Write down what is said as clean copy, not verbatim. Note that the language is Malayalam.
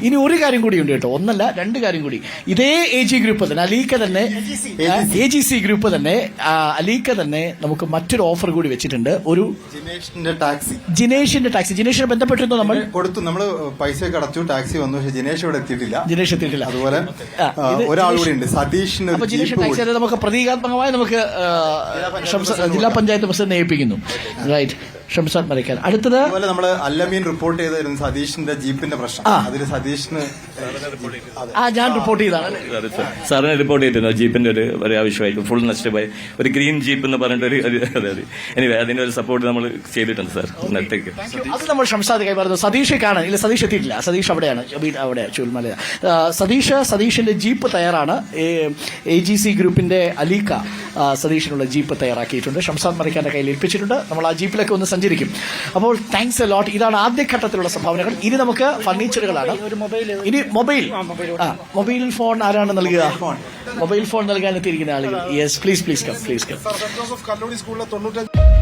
ഇനി ഒരു കാര്യം കൂടി ഉണ്ട് കേട്ടോ, ഒന്നല്ല രണ്ട് കാര്യം കൂടി. ഇതേ AG ഗ്രൂപ്പ് തന്നെ അലീക്ക തന്നെ AGC ഗ്രൂപ്പ് തന്നെ അലീക്ക തന്നെ നമുക്ക് മറ്റൊരു ഓഫർ കൂടി വെച്ചിട്ടുണ്ട്. ഒരു ജിനേഷിന്റെ ടാക്സി ജിനേഷിനെ ബന്ധപ്പെട്ടിരുന്നു നമ്മൾ കൊടുത്തു. നമ്മള് പൈസ അടച്ചു, ടാക്സി വന്നു, പക്ഷെ ജിനേഷ് ഇവിടെ എത്തിയിട്ടില്ല. അതുപോലെ ഒരാൾ കൂടി ഉണ്ട്, സതീഷിന്. അപ്പൊ ജിനേഷ് ടാക്സി അത് നമുക്ക് പ്രതീകാത്മകമായി നമുക്ക് ജില്ലാ പഞ്ചായത്ത് പ്രസിഡന്റ് ഏൽപ്പിക്കുന്നു. റൈറ്റ്, ഷംസാദ് മരക്കാർ. അടുത്തത് അതുപോലെ നമ്മള് അല്ലമീൻ റിപ്പോർട്ട് ചെയ്തായിരുന്നു സതീഷിന്റെ ജീപ്പിന്റെ പ്രശ്നം. അതിൽ സതീഷിന് ഞാൻ റിപ്പോർട്ട് ചെയ്താണ് സാറിന് റിപ്പോർട്ട് ചെയ്തിരുന്നു. ജീപ്പിന്റെ ഒരു ആവശ്യമായിട്ട് ഫുൾ നഷ്ടമായി ഒരു ഗ്രീൻ ജീപ്പ് എന്ന് പറഞ്ഞിട്ട് എനിവേ അതിന്റെ ഒരു സപ്പോർട്ട് നമ്മൾ ചെയ്തിട്ടുണ്ട് സാർ. നെറ്റേക്ക് അത് നമ്മൾ ഷംസാദ് കൈമാറുന്നു. സതീഷ് കാണാൻ ഇല്ല, സതീഷ് എത്തിയിട്ടില്ല. സതീഷ് അവിടെയാണ്, അവിടെ ചൂൽമല. സതീഷിന്റെ ജീപ്പ് തയ്യാറാണ്. AGC ഗ്രൂപ്പിന്റെ അലീക്ക സതീഷിനുള്ള ജീപ്പ് തയ്യാറാക്കിയിട്ടുണ്ട്. ഷംസാദ് മരക്കാന്റെ കയ്യിൽ ഏൽപ്പിച്ചിട്ടുണ്ട്. നമ്മൾ ആ ജീപ്പിലൊക്കെ ഒന്ന് സഞ്ചരിക്കും. അപ്പോൾ താങ്ക്സ് എ ലോട്ട്. ഇതാണ് ആദ്യഘട്ടത്തിലുള്ള സംഭാവനകൾ. ഇനി നമുക്ക് ഫർണിച്ചറുകളാണ്. ഇനി മൊബൈൽ ഫോൺ ആരാണ് നൽകുക? മൊബൈൽ ഫോൺ നൽകാൻ എത്തിയിരിക്കുന്ന ആളുകൾ. Yes, please come.